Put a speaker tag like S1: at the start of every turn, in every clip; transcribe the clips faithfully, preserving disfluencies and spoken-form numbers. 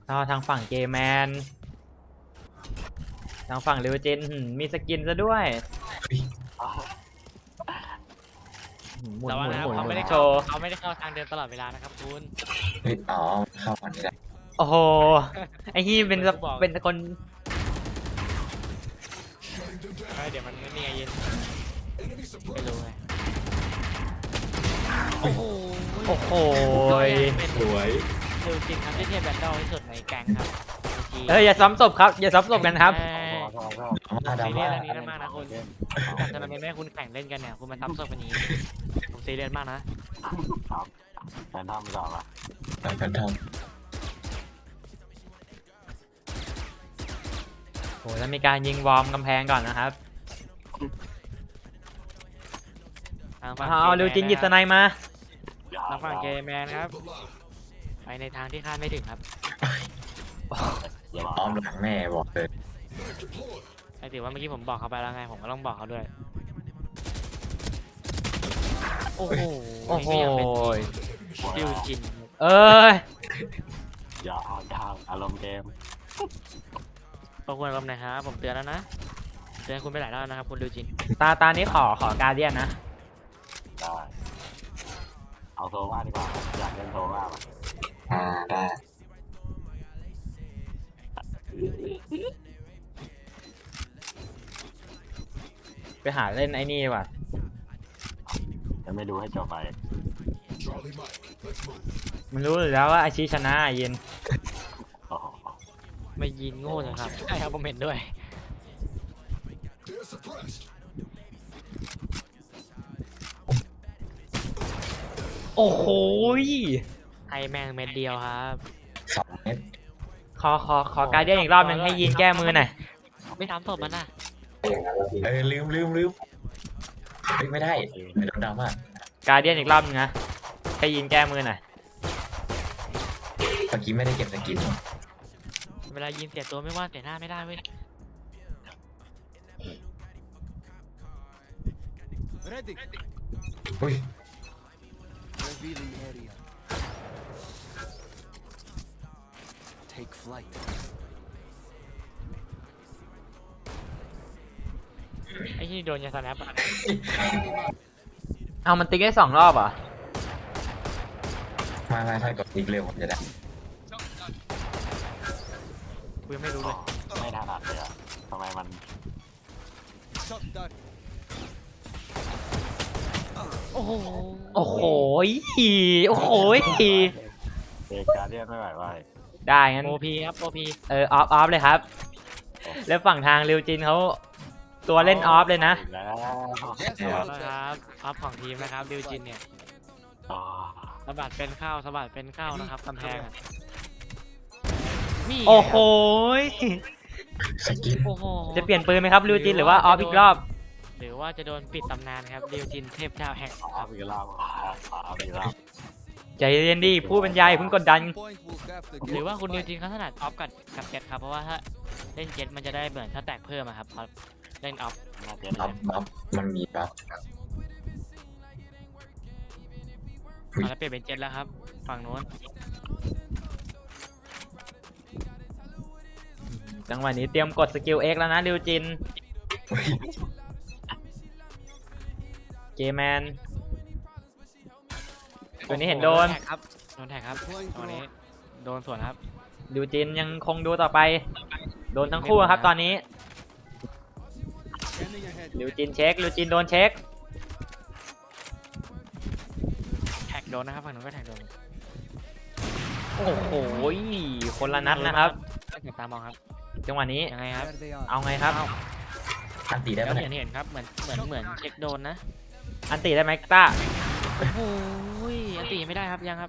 S1: ก็ทางฝั่งเกมแมนทางฝั่งริวจินมีสกินซะด้วยหมุน
S2: แต่
S1: ห
S2: ว่า
S1: มุน
S2: นะ
S1: หมุน
S2: เขาไม่ได้
S1: โช
S2: เข้า
S1: ว์
S2: เขาไม่ได้เข้าทางเดินตลอดเวลานะครับคุณ
S3: เฮ้ยอ๋อเข้ามันไม่ได้
S1: โอ้โหไอ้ที่เป็นเป็นคน
S2: เดี๋ยวมันไม่มีไงยินไม่รู้ไง
S1: โอ้โหโอ้โห
S2: เป็น
S3: สวย
S2: คือจริงครับที่เทพแบนดอลที่สุดในแก๊งครับ
S1: เฮ้ยอย่าซ้ำศพครับอย่าซ้ำศพกันครับ
S3: มา
S2: ซี
S3: ดา
S2: เรีย
S3: มา
S2: สอันนี้มากนะคุณจากทำไมแม่คุณแข่งเล่นกันเนี่ยคุณมาซ้ำศพกันนี้ผมซีเรียสมากนะครับ
S4: แฟนทอมไม่ตอบอ่ะ
S3: แฟนทอม
S1: โอ้แล้วมีการยิงวอร์มกำแพงก่อนนะครับ
S2: ทางฝั่ง
S1: เอาริวจินหยิบสไนมา
S2: ทางฝั่งเกมแมนครับไปในทางที่คาดไม่ถึงครับ
S4: อย่าบอก
S3: อ้อมหลังแม่บอกเลย
S2: ไอ้ถือว่าเมื่อกี้ผมบอกเขาไปแล้วไงผมก็ต้องบอกเขาด้วยโอ้โห
S1: โอ้โห
S2: นี่ก็ยังเป็นริวจิน
S1: เอ้ย
S4: อย่าอ่านทางอารมณ์เกม
S2: ขอบคุณครับนะครับผมเตือนแล้วนะเตือนคุณไปหลายรอบนะครับคุณริวจิน
S1: ตาตานี้ขอขอการเดียนนะ
S4: ได้เอาโซว่าดีกว่าอยากเล่นโซว่าป่ะ
S3: อ่าได้
S1: ไปหาเล่นไอ้นี่ว่ะ
S4: จะไม่ดูให้จบไป
S1: มันรู้อยู่แล้วว่าอาชีชนะยิน
S4: โอ้โห
S2: ไม่ยินโง่เลยครับใช่ครับผมเห็นด้วย
S1: โอ้โห
S2: ให้แม่งเม็ดเดียวครับ
S3: สองเม็ด
S1: ขอขอขอการเดียนอีกรอบหนึงให้ยินแก้มือหน่อย
S2: ไม่ทำศพมันนะ
S3: เออลืมลืมลืมเฮ้ยไม่ได้ไม่ต้องดราม่า
S1: การเดียนอีกรอบหนึงนะให้ยินแก้มือหน่อย
S3: เมื่อกี้ไม่ได้เก็บสกิน
S2: เวลายินเสียตัวไม่ว่าเสียหน้าไม่ได้เว้ย
S5: Ready.
S3: อุ้ย
S5: Revealing area. Take flight.
S2: ไอ้ที่โดนยาสแนปอะ
S1: เอามันติ๊กได้สองรอบเหรอ่ะ
S3: มามาถ้ากดอีกเร็วผมจะได้
S2: กูยังไม่รู้เลย
S4: ไม่ถนัดเลยอ่ะทำไมมัน
S5: Shot that.
S2: โอ้โห
S1: โอ้โหโอ้โห
S4: เอกการเรียนไม่ไหวไหว
S1: ได้งั้น
S2: โอพีครับโอพี
S1: เออออฟออฟเลยครับ แล้วฝั่งทางริวจินเขาตัวเล่นออฟเลยนะ
S4: แล้ว
S5: Yes,
S2: เอา
S5: sir.
S2: ละครับอัพของทีมนะครับดิวจินเนี่ย
S4: อ๋อ
S2: สะบัดเป็นเข้าสะบัดเป็นเข้านะครับกำแพงอะนี่
S1: โอ้โห
S3: สกิน
S2: โอ้โห
S1: จะเปลี่ยนปืนไหมครับริวจินหรือว่าออฟอีกรอบ
S2: หรือว่าจะโดนปิดตำนานครับดิวจินเทพเจ้าแห่ง
S4: เอาอีกรอบเอาอีกรอบ
S1: ใจเย็นดีผู้บรรยายเพิ่งกดดัน
S5: Point will have to
S2: หรือ
S5: get.
S2: ว่าคุณดิวจินเขาถนัดออฟกับกับเจ็ตครับเพราะว่าถ้าเล่นเจ็ตมันจะได้เหมือนถ้าแตกเพิ่มอะครับพอเล่นออฟ
S4: น่าจะ
S3: บัฟบัฟมันมีบัฟ
S2: เอาแล้วเปลี่ยนเป็นเจ็ตแล้วครับฝั่งโน้น
S1: จังหวะนี้เตรียมกดสกิล X แล้วนะริวจิน เกมแมน ตัวนี้เห็นโดน
S2: แท็กครับโดนแท็กครับตัวนี้โดนสวนครับ
S1: ริวจินยังคงดูต่อไป โดนทั้งคู่ครับตอนนี้
S5: Scanning ahead.
S1: ริวจินเช็คริวจินโดนเช็ค
S2: แท็กโดนนะครับฝั่งโน้นก็แท็กโดน
S1: โอ้โห คนละนัดนะครับ
S2: เก็บตามองครับ
S1: จังหวะนี้
S2: ยังไงครับ
S5: There they are.
S1: เอาไงครับ
S3: อันตีได้
S2: แล้ว
S3: ปะ
S2: เห็
S3: เนี่ย
S2: นเห็นครับเหมือนเหมือนเหมือนเช็คโดนนะ
S1: อันตีได้ไหมต้า
S2: โอ้โหอันตีไม่ได้ครับยังครับ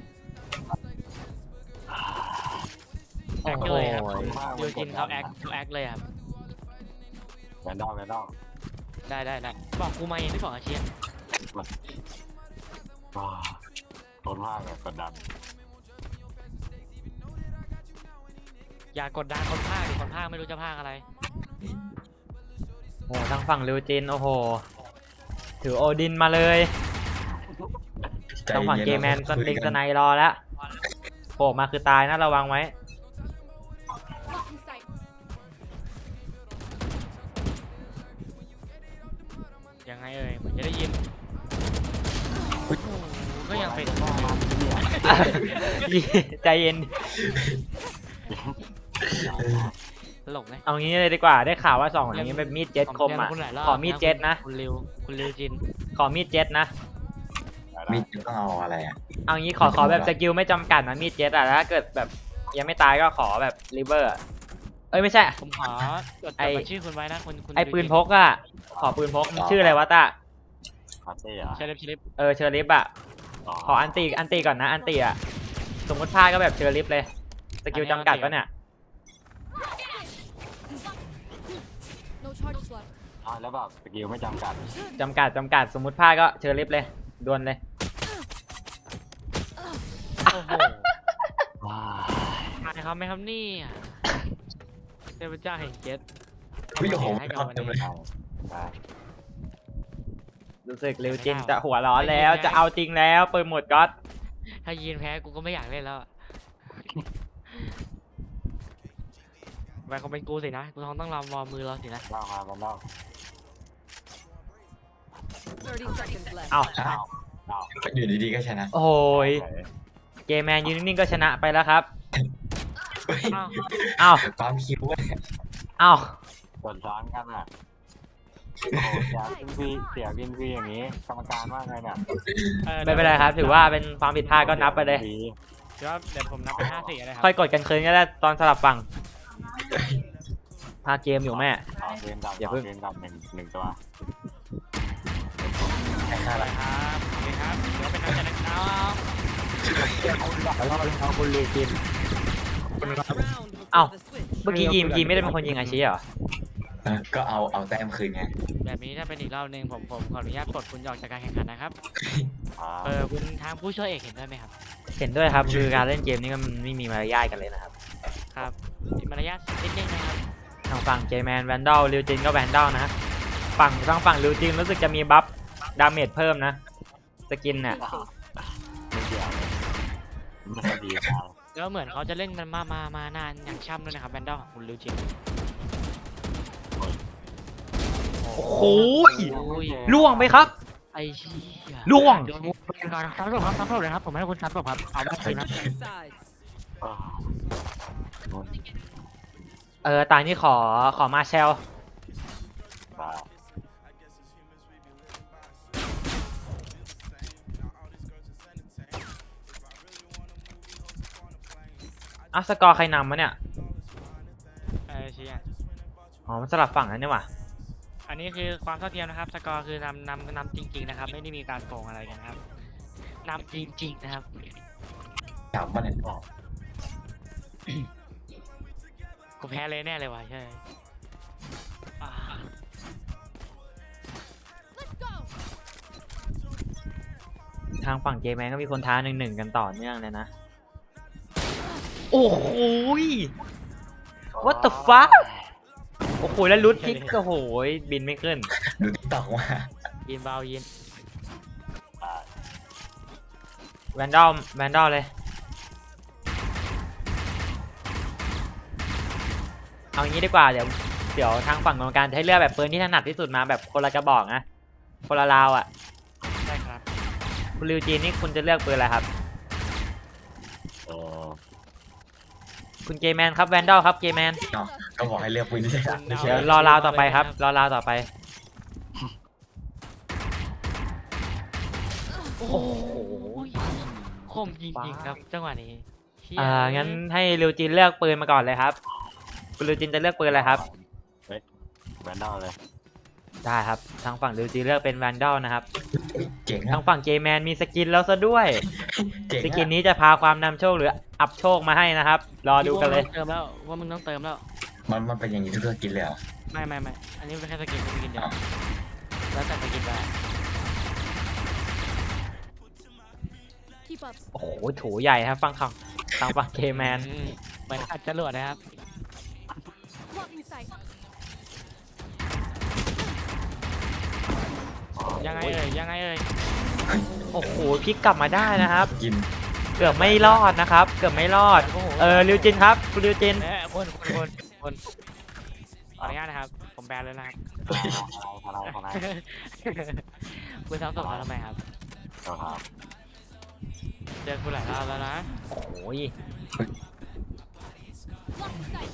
S2: แอคเลยครับดิวจินเขาแอคเขาแอคเลยครับ
S4: แฟนดอมแฟนดอม
S2: ได้ได้ได้บอกกูมาเองไม่บอกอาเชียน
S4: ว้าทนมากเลยกดดัน
S2: อย่ากดดันคนภาคดิคนภาคไม่รู้จะภาคอะไร
S1: โอ้ทางฝั่งริวจิน โอ้โห ถือโอดินมาเลย
S3: ใจ
S1: ทางฝั่ง
S3: ย็นๆ
S1: เกมแมนส
S3: คุย
S1: ติง
S3: กั
S1: สไนรอแล้วโผล่มาคือตายนะระวังไว้
S2: เป็น
S1: ใจเย็น
S2: ตลกไหม
S1: เอางี้เลยดีกว่าได้ข่าวว่าสองคนนี้เป็นมีดเจ็ตคมอ่ะ
S2: คุณหลายรบ
S1: ขอมีดเจ็ตนะ
S2: คุณริวคุณริวจิน
S1: ขอมีดเจ็ตนะ
S3: มีดต้องเอาอะไรอ่ะ
S1: เอางี้ขอขอแบบสกิลไม่จำกัดนะมีดเจ็ตอ่ะแล้วถ้าเกิดแบบยังไม่ตายก็ขอแบบริเวอร์เอ้ยไม่ใช่
S2: ผมขอจด
S1: ไอ้
S2: จดบัญชีคุณไว้นะคุณคุณ
S1: ไอปืนพกอ่ะขอปืนพกมันชื่ออะไรวะตา
S4: คาเต้เหรอ
S2: เชลิฟเชลิฟ
S1: เออเชอริฟอ่ะขออันตีอันตีก่อนนะอันตีอ่ะสมมติพลาดก็แบบเชอริฟเลยสกิลจำกัดปะเนี่ย
S6: No charges left.
S4: อ่าแล้วแบบสกิลไม่จำกัด
S1: จำกัดจำกัดสมมติพลาดก็เชอริฟเลยดวลเลย
S2: โอ้โห
S4: ว้า
S2: ทายเขาไหมครับนี่เทพเจ้าแห่งเจ็ต
S3: พี่โอ้โห
S2: ให้กับ
S3: เอา
S2: วัน
S3: เต็ม
S2: นี้
S3: เลย
S4: ได้ได้
S1: รู้สึกริวจินจะหัวร้อนแล้วจะเอาจริงแล้วปืนหมดก๊อต
S2: ถ้ายีนแพ้กูก็ไม่อยากเล่นแล้วอะไปคงเป็นกูสินะกูต้องต้องรอวอร์มมือเราสินะ
S4: เล่ามามันเล่า
S6: thirty seconds left.
S1: เอา
S3: อ้าว
S4: เล่า
S3: อยู่ดีๆก็ชนะ
S1: โอ้ยเกมแมนยืนนิ่งๆก็ชนะไปแล้วครับ
S3: เฮ้ย
S2: อ้าว
S1: เอา
S3: ความคิวเว้ย
S1: เอา
S4: ส่วนซ้อนกันอ่ะโอ้โหเสียวินฟรีเสียวินฟรีอย่างนี้กรรมการว่าไงเนี่ย
S2: ออ
S1: ไม่เป็นไรครับถือว่าเป็นความผิดพลาดก็นับไปเลย
S2: เดี๋ยวเดี๋ยวผมนับเป็นห้าสี่เลยครั
S1: ค่อยกดกันคืนก็ได้ตอนสลับฝั่งพาเกมอยู่แม่
S4: เอาเกมดับ
S1: อย่าเพิ่ง
S4: เกมดับหนึ่งหนึ่งตัว
S3: ไอ้ข้า
S2: ไป
S3: ละ
S2: ครับโอเคครับเดี๋ยวเป็นนักจัดนะครับ
S1: แล้วเราเอาคุณลีกิน
S6: Round
S1: Ow.
S6: before the switch.
S1: เมื่อกี้ยิมยิมไม่ได้เป็นคนยิงอาชีเหรอ
S3: เออก็เอาเอาแต้มคืนไง
S2: แบบนี้ถ้าเป็นอีกรอบหนึ่งผมผมขออนุญาตปลดคุณออกจากการแข่งขันนะครับ
S4: อ่า
S2: เออคุณทางผู้ช่วยเอกเห็นด้วยไหมครับ
S1: เห็นด้วยครับคือการเล่นเกมนี้ก็มันไม่มีมารยาทกันเลยนะครับ
S2: ครับมีมารยาทนิดนึงนะครับ
S1: ทางฝั่งเจแมนแวนดอลริวจินก็แวนดอลนะฮะฝั่งทางฝั่งริวจินรู้สึกจะมีบัฟดาเมจเพิ่มนะสกินเนี่ย
S4: ไม่เกี่ยวเลยไม่ค่อยดีครับ
S2: แล้วเหมือนเขาจะเล่นมันมามามานานอย่างช่ำด้วยนะครับแบนดอลของคุณลิวจิน
S1: โอ้โห
S2: โอ้ย
S1: ล่วงไหมครับ
S2: ไอ้เชี่ย
S1: ล่วง
S2: โดนมุกเป็นการซับศพครับซับศพเลยครับผมให้คุณซับศพครับเอาได้คืนนะ
S6: Switching sides.
S4: เออนู่น
S1: เออตานี่ขอขอมาเชล
S4: ได้
S1: อ่ะสกอร์ใครนำวะเนี่ย
S2: เออเชี่ย
S1: อ๋อมันสลับฝั่งนั่นนี่หว่า
S2: อันนี้คือความเท่าเทียมนะครับสกอร์คือนำนำนำจริงๆนะครับไม่ได้มีการโกงอะไรกันครับนำจริงๆนะครับ
S3: จับมันเนี่ย
S2: กูแพ้เลยแน่เลยว่ะใช่อ่า
S6: Let's go.
S1: ทางฝั่งเจแมนก็มีคนท้าหนึ่งหนึ่งกันต่อเนื่องเลยนะโอ้โห what the fuck โอ้โหแล้วลุดพิกโอ้โหบินไม่ขึ้น
S3: ดูติ๊กต็อกว่า
S2: ยินเบายิน
S1: แวนดอลแวนดอลเลย เอางี้ดีกว่าเดี๋ยวเดี๋ยวทางฝั่งกรรมการจะให้เลือกแบบปืนที่ถนัดที่สุดมาแบบคนละกระบอกนะคนละราวอ่ะ
S2: ใช่ครับ
S1: คุณริวจีนนี่คุณจะเลือกปืนอะไรครับ
S4: เออ
S1: คุณเกมแมนครับแวนดอลครับเกมแมน
S3: เนาะก็บอกให้เลือกปืนที่ถนัดไม่ใช่
S1: เดี๋ยวรอราวต่อไปครับรอราวต่อไป
S2: โอ้โหคมจริงๆครับจังหวะนี้เชี่ย
S1: อ่างั้นให้ริวจีนเลือกปืนมาก่อนเลยครับคุณริวจีนจะเลือกปืนอะไรครับ
S4: เฮ้ยแบนดอลเลย
S1: ได้ครับทางฝั่งริวจีนเลือกเป็นแวนดอลนะครับ
S3: เจ๋ง
S1: ทา
S3: อะ
S1: งฝั่งเกมแมนมีสกินแล้วซะด้วย
S3: เจ๋ง
S1: สกิน
S3: อะ
S1: นี้จะพาความนำโชคหรืออัพโชคมาให้นะครับ รอดูกันเลย
S2: ว่ามึงต้องเติมแล้วว่ามึงต้องเติมแล้ว
S3: มันมันเป็นอย่างนี้ทุกสกินเลยเหรอ
S2: ไม่ไม่ไม่อันนี้เป็นแค่สกินเป็นสกินเดียวแล้วแต่สกินไป
S6: Keep up.
S1: โอ้โหโถใหญ่ครับฟังคำทางฝั่งเกมแมน
S2: อืมเหมือนอัดจรวดนะครับ
S6: Blocking sight.
S2: ยังไงเอ่ยยังไงเอ่ย
S1: โอ้โหพลิกกลับมาได้นะครับ
S3: กิน
S1: เกือบไม่รอดนะครับ เกือบไม่รอด
S2: โอ้โห
S1: เออริวจินครับคุณริวจิน
S2: เอ๊ะคนคนคนคนขออนุญาตนะครับผมแบนเลยนะครับ
S4: ทนายทนายทนาย
S2: คุณซ้ำศพเขาทำไมครับ
S4: เจ้าครับ
S2: เจอกูหลายรอบแล้วนะ
S1: โอ้ย
S6: Blocking sight.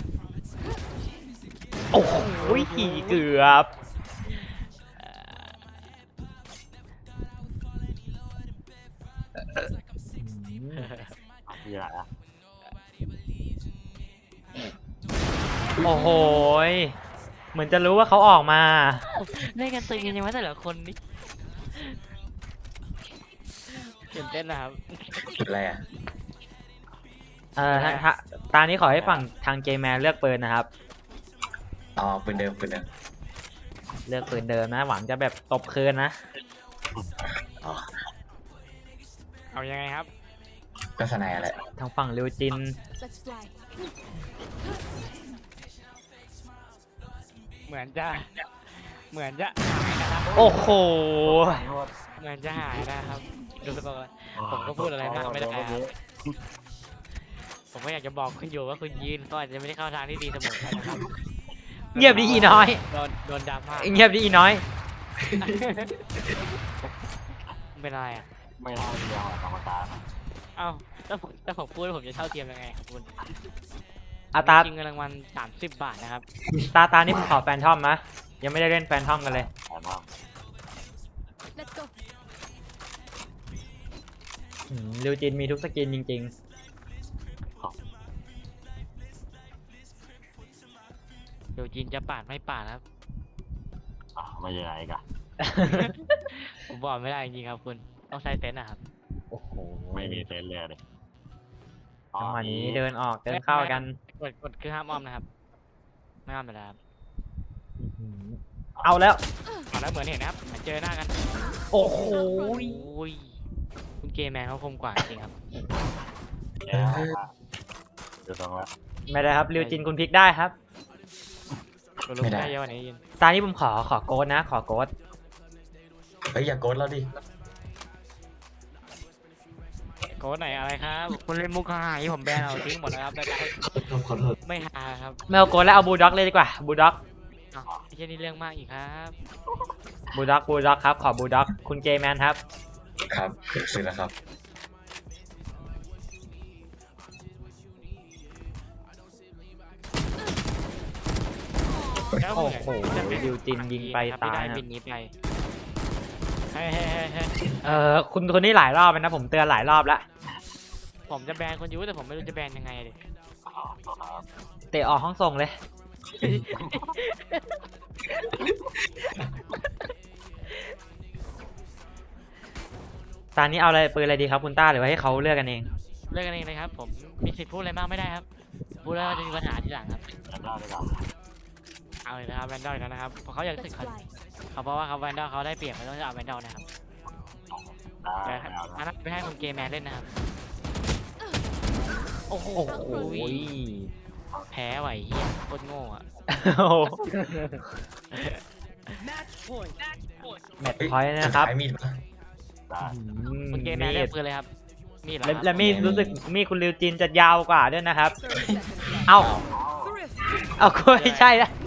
S1: โอ้โหเกือบอืม
S4: มีอะไรอ่ะ
S1: โอ้โหยเหมือนจะรู้ว่าเขาออกมา
S2: เล่นกันตึงกันยังไงแต่ละคนนี่ตื่นเต้นนะครับ
S3: จุดอะไรอ่ะ
S1: เออถ้าถ้าตานี้ขอให้ฝั่งทางเกมแมนเลือกปืนนะครับ
S3: อ๋อปืนเดิมปืนเดิม
S1: เลือกปืนเดิมนะ หวังจะแบบตบคืนนะ
S3: อ๋อ
S2: เอายังไงครับ
S3: ก็สนายอะไร
S1: ทางฝั่งริวจิน
S6: Let's fly.
S2: เหมือนจะ เหมือนจะหายนะครับ
S1: โอ้โห
S2: เหมือนจะหายนะครับดูสกอร์ ผมก็พูดอะไรมากไม่ได้ครับ ผมก็อยากจะบอกคุณอยู่ว่าคุณยืนก็อาจจะไม่ได้เข้าทางที่ดีเสมอไปนะครับ
S1: เงียบดิอีน้อย
S2: โดนโดนดราม่า
S1: เงียบดิอีน้อย
S2: เป็นอะไรอ่ะ
S4: ไม่เท่าเดียวอะกรรมการ
S2: เอ้าถ้าผมถ้าผมพูดผมจะเท่าเทียมยังไงครับคุณ
S1: อาตา
S2: จริงเงินรางวัลสามสิบบาทนะครับ
S1: ตาตานี่ผมขอแฟนทอมนะ ยังไม่ได้เล่นแฟนทอมกันเลย
S4: แต่ว่า
S6: Let's go.
S1: อืมริวจินมีทุกสกินจริง
S2: เดี๋ยวจีนจะปาดไม่ปาดครับ
S4: อ่ะไม่ยังไงกัน
S1: ๆ
S2: ผมบอกไม่ได้จริงๆครับคุณต้องใช้เซนส์นะครับ
S1: โอ้โห
S4: ไม่มีเซนส์เลยดิ
S1: จังหวะนี้เดินออกเดินเข้ากัน
S2: กดกดคือห้ามอ้อมนะครับไม่อ้อมเลยนะครับ
S1: อื้อหือเอาแล้ว
S2: เอาแล้วเหมือนเห็นนะครับเหมือนเจอหน้ากัน
S1: โอ้โห
S2: โอ้ยคุณเกมแมนเขาคมกว่าจริงครับ
S4: แล้วว่าเดี๋ยวตรงแล้ว
S1: ไม่ได้ครับริวจินคุณพลิกได้ครับ
S2: ตัวลูกได้เยอะกว่านี้ยิน
S1: ตานี้ผมขอขอโกดนะ ขอโกด
S3: เฮ้ยอย่าโกดเราดิ
S2: โค้ดไหนอะไรครับคุณเล่นมุกหายผมแบนเอาทิ้งหมดแล้วครับได้ได้
S3: ขอโทษ
S2: ไม่หาครับ
S1: ไม่เอาโกดแล้วเอาบูลด็อกเลยดีกว่าบูลด็อก
S2: อ้าวไม่ใช่นี่เรื่องมากอีกครับ
S1: บูลด็อกบูลด็อกครับขอบูลด็อกคุณเกมแมนครับ
S3: ครับซื้อแล้วครับ
S2: แล้ว
S1: โอ้
S2: เหมือน
S1: โห
S2: จะเป็น
S1: ริวจินยิงไป
S2: ครับ
S1: ตาย
S2: ที่ได้
S1: นะ
S2: บินนี้ไปเฮ้ยเฮ้ยเฮ้ยเฮ้ย
S1: เออคุณคนนี้หลายรอบแล้วนะผมเตือนหลายรอบแล้ว
S2: ผมจะแบนคนยูแต่ผมไม่รู้จะแบนยังไงเลย
S1: เตะออกห้องส่งเลย ตอนนี้เอาอะไรปืนอะไรดีครับคุณต้าหรือว่าให้เขาเลือกกันเอง
S2: เลิกกันเองเลยครับ ผมมีสิทธิ์พูดอะไรมากไม่ได้ครับ พูดแล้วจะมีปัญหาทีหลังครับ
S4: แล้วได้ดีกว่า
S2: เอาเลยนะครับแวนดอลกันนะครับเพราะเขาอยากรู้สึ
S6: Let's
S2: กเขา
S6: fly.
S2: เขาเพราะว่าเขาแวนดอลเขาได้เปรียบเขาต้องเอาแวนดอลนะครับ
S4: ได้
S2: แต่
S4: ไม่เอา
S2: อัน
S4: แล้ว
S2: นั้นไม่ให้คุณเกมแมนเล่นนะครับ โอ้โห
S1: โอ้ย
S2: แพ้ไหวเฮียโคตรโง่อะ
S1: แมตช์พอยต์
S3: เฮ้ย
S1: นะครับ
S3: สุดท้ายมีดปะ
S4: ได้
S2: คุณเกมแมนเลือกปืนเลยครับมีดเหรอ
S1: และ
S2: ครับ
S1: และมีดรู้สึกมีดคุณริวจินจะยาวกว่าด้วยนะครับ
S6: thirty seconds left.
S1: เอ้า
S6: Thrift.
S1: เอากลัวไม่ใช่ละ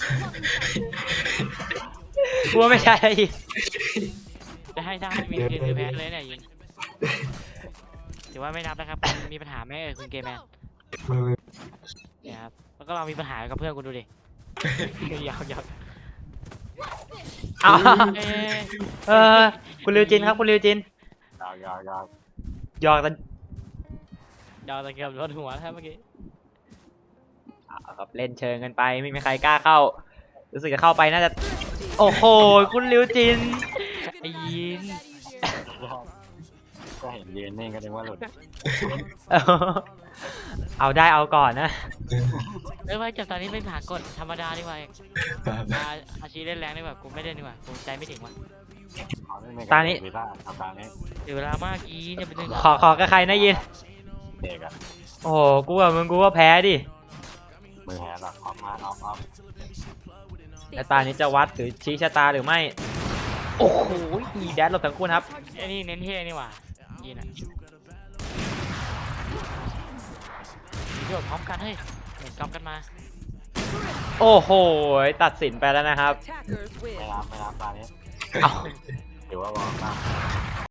S1: กลัวไม่ใช่อีก
S2: จะให้ได้มีคืนคือแพ้เลยเนี่ยยิงถือว่าไม่นับนะครับคุณมีปัญหาไหมเอ่ยคุณเกมแมนเนี่ยครับแล้วก็เรามีปัญหากับเพื่อนคุณดูดิ ยาวยาว
S1: เอา
S2: เอ้ย
S1: เออคุณริวจินครับคุณริวจิน
S4: ยาวยาวยาว
S1: หยอกกัน
S2: ยาวตะเกียบรถหัวนะครับเมื่อกี้
S1: เอาครับเล่นเชิงกันไปไม่มีใครกล้าเข้า รู้สึกจะเข้าไปน่าจะ โอ้โหคุณริวจิน
S2: ไอ้ยิน
S4: ก็เห็นยืนนิ่งก็นึกว่าหลุด
S1: เอาได้เอาก่อนนะ
S2: เอ้ยไว้จับตอนนี้ไม่ผ่านกฎธรรมดาดีกว่า
S3: บ้าบ้า
S2: อาอาชีเล่นแรงดีกว่ากูไม่เล่นดีกว่ากูใจไม่ถึงว่ะ
S4: เอาเล่
S1: ตานี้
S4: วีซ่าทำตานี้
S2: เดี๋ยวเวลามากอีเนี่ยเป็นเรื่อง
S1: ขอขอกับใครนะยิน
S4: เด็กอะ
S1: โอ้โหกูกับมึงกูก็แพ้ดิ
S4: มือแหหลักออกมาออกออก
S1: และตานี้จะวัดหรือชี้ชะตาหรือไม่ โอ้โหอีแดดหลบทั้งคู่นะครับ
S2: ไอ้นี่เน้นเท่นี่หว่ายินอ่ะมีโดดพร้อมกันเฮ้ยเหมือนกำกันมา
S1: โอ้โหตัดสินไปแล้วนะครับ
S6: Attackers
S4: ไม่
S6: win.
S4: รับไม่รับตานี้
S1: เอา
S4: ถือว่าวอร์มมาก